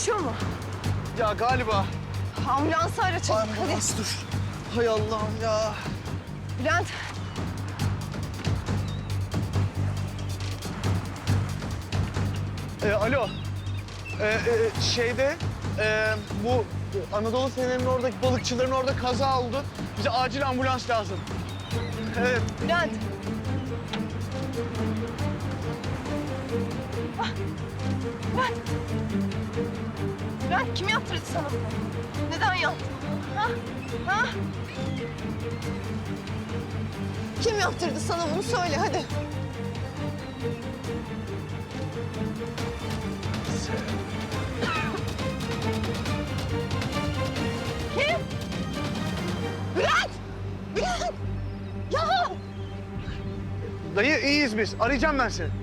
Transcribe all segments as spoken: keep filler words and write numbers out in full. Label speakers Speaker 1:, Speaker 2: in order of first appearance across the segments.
Speaker 1: Yaşıyor mu?
Speaker 2: Ya galiba.
Speaker 1: Ambulansı ara çabuk hadi.
Speaker 2: Ambulans dur. Hay Allah'ım ya.
Speaker 1: Bülent.
Speaker 2: Ee, alo. Ee, e, şeyde e, bu Anadolu Fener'in oradaki balıkçıların orada kaza oldu. Bize acil ambulans lazım. Evet.
Speaker 1: Bülent. Ah, Bülent. Bülent kim yaptırdı sana bunu? Neden yaptın? Ha? Ha? Kim yaptırdı sana bunu söyle hadi. Kim? Bülent! Bülent! Ya!
Speaker 2: Dayı iyiyiz biz. Arayacağım ben seni.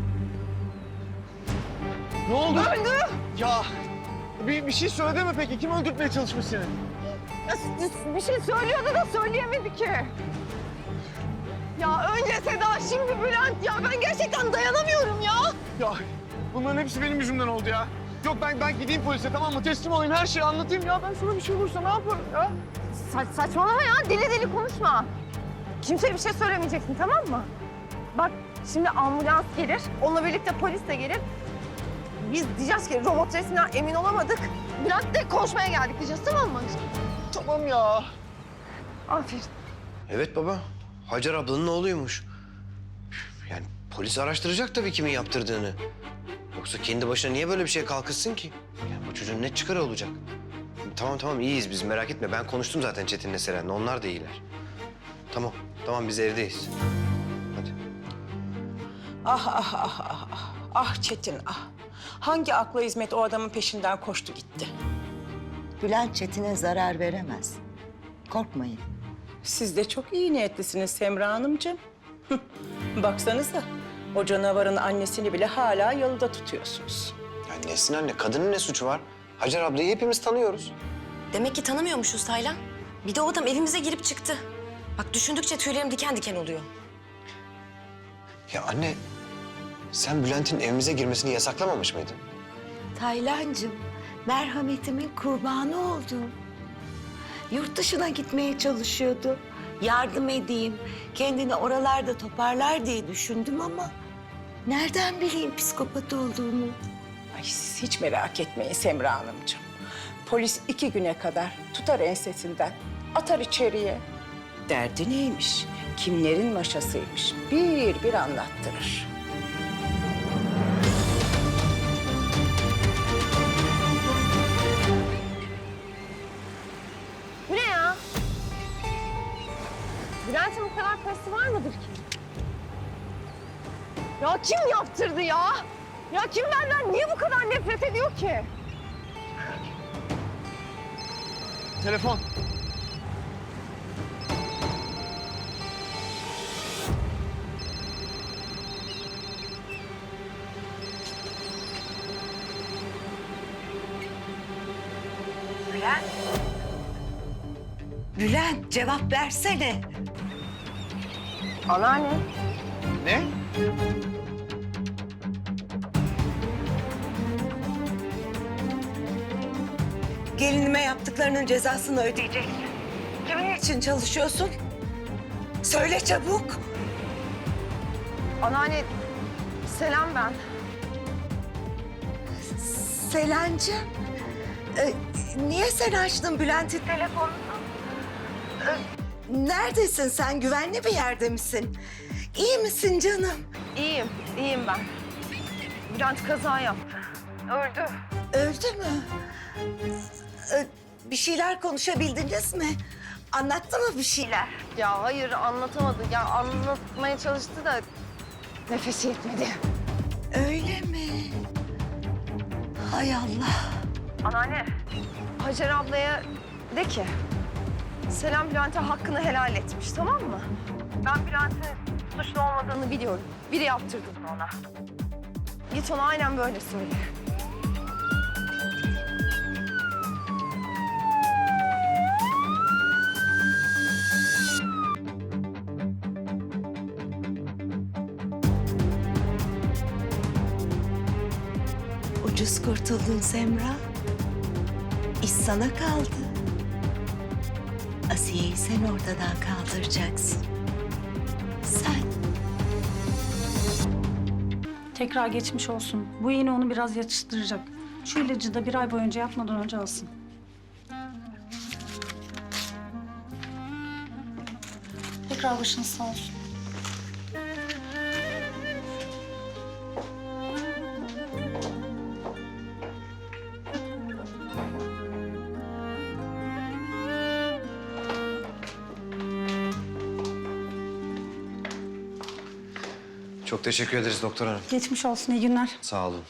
Speaker 2: Ne oldu?
Speaker 1: Öldü!
Speaker 2: Ya bir, bir şey söyledi mi peki? Kim öldürtmeye çalışmış seni?
Speaker 1: Ya, s- bir şey söylüyordu da söyleyemedi ki. Ya önce Seda, şimdi Bülent ya. Ben gerçekten dayanamıyorum ya.
Speaker 2: Ya bunların hepsi benim yüzümden oldu ya. Yok ben ben gideyim polise, tamam mı? Teslim olayım, her şeyi anlatayım ya. Ben sana bir şey olursa ne yaparım ya?
Speaker 1: Sa saçmalama ya. Deli deli konuşma. Kimseye bir şey söylemeyeceksin, tamam mı? Bak şimdi ambulans gelir. Onunla birlikte polis de gelir. Biz diyeceğiz ki robot resminden emin olamadık. Bülent'le konuşmaya geldik diyeceğiz, tamam mı?
Speaker 2: Tamam ya.
Speaker 1: Aferin.
Speaker 3: Evet baba. Hacer ablanın oğluymuş. Yani polis araştıracak tabii kimin yaptırdığını. Yoksa kendi başına niye böyle bir şeye kalkışsın ki? Yani bu çocuğun ne çıkarı olacak? Tamam tamam iyiyiz biz, merak etme. Ben konuştum zaten Çetin'le Seren'le. Onlar da iyiler. Tamam tamam biz evdeyiz. Hadi.
Speaker 4: Ah ah ah ah ah. Ah Çetin ah. Hangi akla hizmet o adamın peşinden koştu gitti.
Speaker 5: Bülent Çetin'e zarar veremez. Korkmayın.
Speaker 4: Siz de çok iyi niyetlisiniz Semra Hanımcığım. Hıh, baksanıza o canavarın annesini bile hala yalıda tutuyorsunuz.
Speaker 3: Ya Nesin anne, kadının ne suçu var? Hacer ablayı hepimiz tanıyoruz.
Speaker 6: Demek ki tanımıyormuşuz Taylan. Bir de o adam evimize girip çıktı. Bak düşündükçe tüylerim diken diken oluyor.
Speaker 3: Ya anne, sen Bülent'in evimize girmesini yasaklamamış mıydın?
Speaker 5: Taylancığım, merhametimin kurbanı oldum. Yurt dışına gitmeye çalışıyordu. Yardım edeyim, kendini oralarda toparlar diye düşündüm ama... nereden bileyim psikopat olduğunu?
Speaker 4: Ay siz hiç merak etmeyin Semra Hanımcığım. Polis iki güne kadar tutar ensesinden, atar içeriye. Derdi neymiş, kimlerin maşasıymış bir bir anlattırır.
Speaker 1: Bu ne ya? Bülent'in bu kadar parası var mıdır ki? Ya kim yaptırdı ya? Ya kim benden niye bu kadar nefret ediyor ki?
Speaker 2: Telefon.
Speaker 5: Bülent, cevap versene.
Speaker 1: Anneanne.
Speaker 2: Ne?
Speaker 5: Gelinime yaptıklarının cezasını ödeyeceksin. Kimin için çalışıyorsun? Söyle çabuk.
Speaker 1: Anneanne, Selam ben.
Speaker 5: Selancığım, e, niye sen açtın Bülent'in telefonunu? E, neredesin sen? Güvenli bir yerde misin? İyi misin canım?
Speaker 1: İyiyim, iyiyim ben. Bülent kaza yaptı. Öldü.
Speaker 5: Öldü mü? E, bir şeyler konuşabildiniz mi? Anlattı mı bir şeyler?
Speaker 1: Ya hayır anlatamadı. Ya anlatmaya çalıştı da nefesi yetmedi.
Speaker 5: Öyle mi? Hay Allah.
Speaker 1: Anneanne, Hacer ablaya de ki Selam Bülent'e hakkını helal etmiş, tamam mı? Ben Bülent'in suçlu olmadığını biliyorum. Biri yaptırdı bunu ona. Git ona aynen böyle söyle.
Speaker 5: Ucuz kurtuldun Semra. İş sana kaldı. Asiye'yi sen ortadan kaldıracaksın. Sen.
Speaker 7: Tekrar geçmiş olsun. Bu iğne onu biraz yatıştıracak. Şu ilacı da bir ay boyunca yatmadan önce alsın. Tekrar başınız sağ olsun.
Speaker 3: Çok teşekkür ederiz doktor hanım.
Speaker 7: Geçmiş olsun, iyi günler.
Speaker 3: Sağ olun.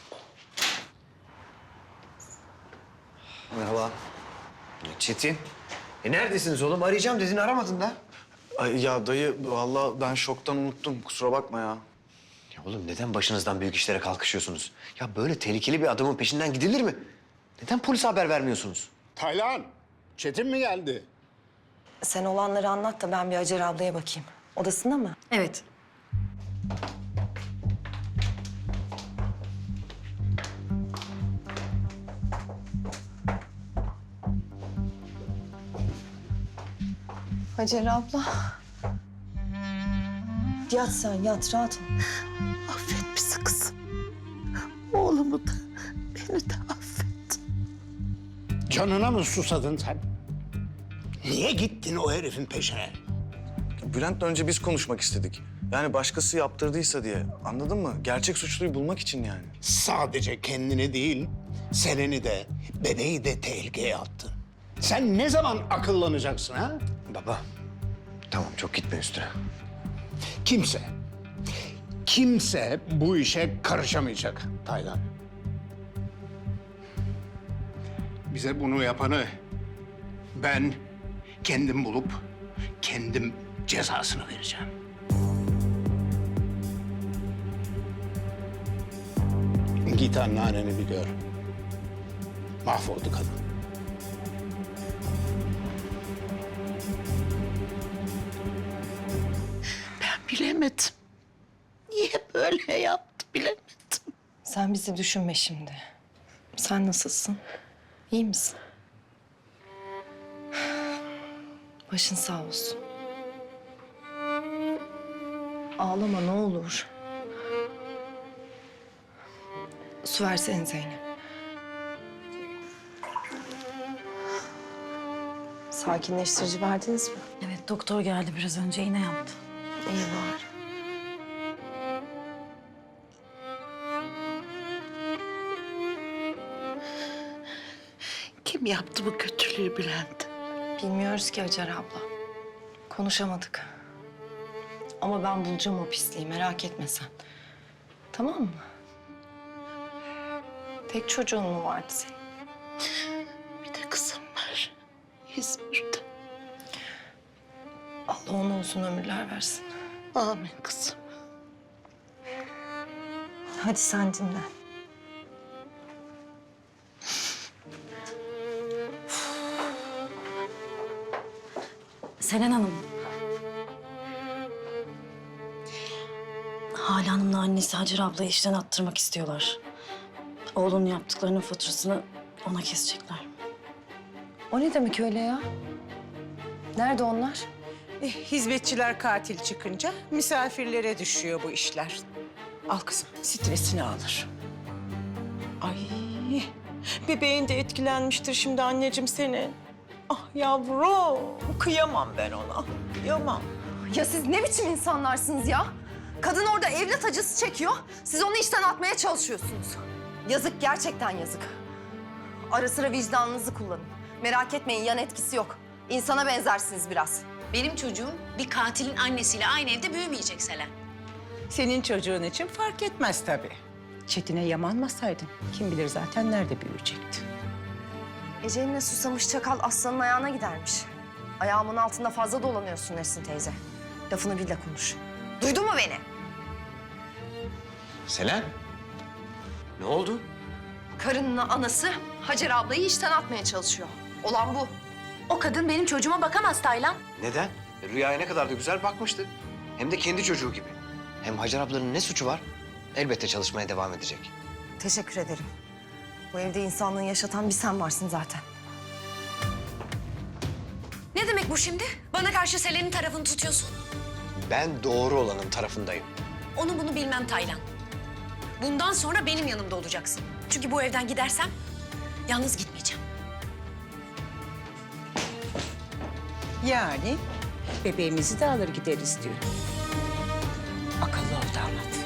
Speaker 3: Merhaba. Çetin. E neredesiniz oğlum? Arayacağım dedin, aramadın da.
Speaker 2: Ay ya dayı vallahi ben şoktan unuttum. Kusura bakma ya.
Speaker 3: Ya oğlum neden başınızdan büyük işlere kalkışıyorsunuz? Ya böyle tehlikeli bir adamın peşinden gidilir mi? Neden polise haber vermiyorsunuz?
Speaker 8: Taylan, Çetin mi geldi?
Speaker 6: Sen olanları anlat da ben bir Hacer ablaya bakayım. Odasında mı?
Speaker 7: Evet.
Speaker 1: Hacer abla.
Speaker 6: Yat sen, yat. Rahat ol.
Speaker 5: Affet bizi kızım. Oğlumu da, beni de affet.
Speaker 8: Canına mı susadın sen? Niye gittin o herifin peşine?
Speaker 2: Bülent'le önce biz konuşmak istedik. Yani başkası yaptırdıysa diye. Anladın mı? Gerçek suçluyu bulmak için yani.
Speaker 8: Sadece kendini değil, Selen'i de, bebeği de tehlikeye attın. Sen ne zaman akıllanacaksın ha?
Speaker 3: Baba, tamam çok gitme üstüne.
Speaker 8: Kimse, kimse bu işe karışamayacak Taylan. Bize bunu yapanı ben kendim bulup kendim cezasını vereceğim. Git anneanneni bir gör. Mahvoldu kadın.
Speaker 5: Ben bilemedim. Niye böyle yaptı bilemedim.
Speaker 6: Sen bizi düşünme şimdi. Sen nasılsın? İyi misin? Başın sağ olsun. Ağlama ne olur. Su versene Zeynep. Sakinleştirici verdiniz mi?
Speaker 7: Evet, doktor geldi biraz önce, iğne yaptı.
Speaker 6: İyi var.
Speaker 5: Kim yaptı bu kötülüğü Bülent?
Speaker 6: Bilmiyoruz ki Hacer abla. Konuşamadık. Ama ben bulacağım o pisliği, merak etme sen. Tamam mı? Tek çocuğun mu vardı senin?
Speaker 5: Bir de kızım var. İzmir'de.
Speaker 6: Allah ona uzun ömürler versin.
Speaker 5: Amin kızım.
Speaker 6: Hadi sen dinle.
Speaker 7: Selen Hanım. Hale Hanım'la annesi Hacer ablayı işten attırmak istiyorlar. Oğlunun yaptıklarının faturasını ona kesecekler.
Speaker 6: O ne demek öyle ya? Nerede onlar?
Speaker 4: Eh, hizmetçiler katil çıkınca misafirlere düşüyor bu işler. Al kızım, stresini alır. Ay, bebeğin de etkilenmiştir şimdi anneciğim senin. Ah yavrum, kıyamam ben ona, kıyamam.
Speaker 1: Ya siz ne biçim insanlarsınız ya? Kadın orada evlat acısı çekiyor. Siz onu işten atmaya çalışıyorsunuz. Yazık, gerçekten yazık. Ara sıra vicdanınızı kullanın. Merak etmeyin, yan etkisi yok. İnsana benzersiniz biraz.
Speaker 9: Benim çocuğum bir katilin annesiyle aynı evde büyümeyecek Selen.
Speaker 4: Senin çocuğun için fark etmez tabii. Çetin'e yamanmasaydın kim bilir zaten nerede büyüyecekti.
Speaker 1: Ece'mle susamış çakal aslanın ayağına gidermiş. Ayağımın altında fazla dolanıyorsun Nesin teyze. Lafını bil de konuş. Duydun mu beni?
Speaker 3: Selen, ne oldu?
Speaker 1: Karının anası Hacer ablayı işten atmaya çalışıyor. Olan bu.
Speaker 9: O kadın benim çocuğuma bakamaz Taylan.
Speaker 3: Neden? E, Rüyaya ne kadar da güzel bakmıştı. Hem de kendi çocuğu gibi. Hem Hacer ablanın ne suçu var? Elbette çalışmaya devam edecek.
Speaker 1: Teşekkür ederim. Bu evde insanlığı yaşatan bir sen varsın zaten.
Speaker 9: Ne demek bu şimdi? Bana karşı Selen'in tarafını tutuyorsun.
Speaker 3: Ben doğru olanın tarafındayım.
Speaker 9: Onu bunu bilmem Taylan. Bundan sonra benim yanımda olacaksın. Çünkü bu evden gidersem yalnız gitmeyeceğim.
Speaker 4: Yani bebeğimizi de alır gideriz diyor. Akıllı ol damat.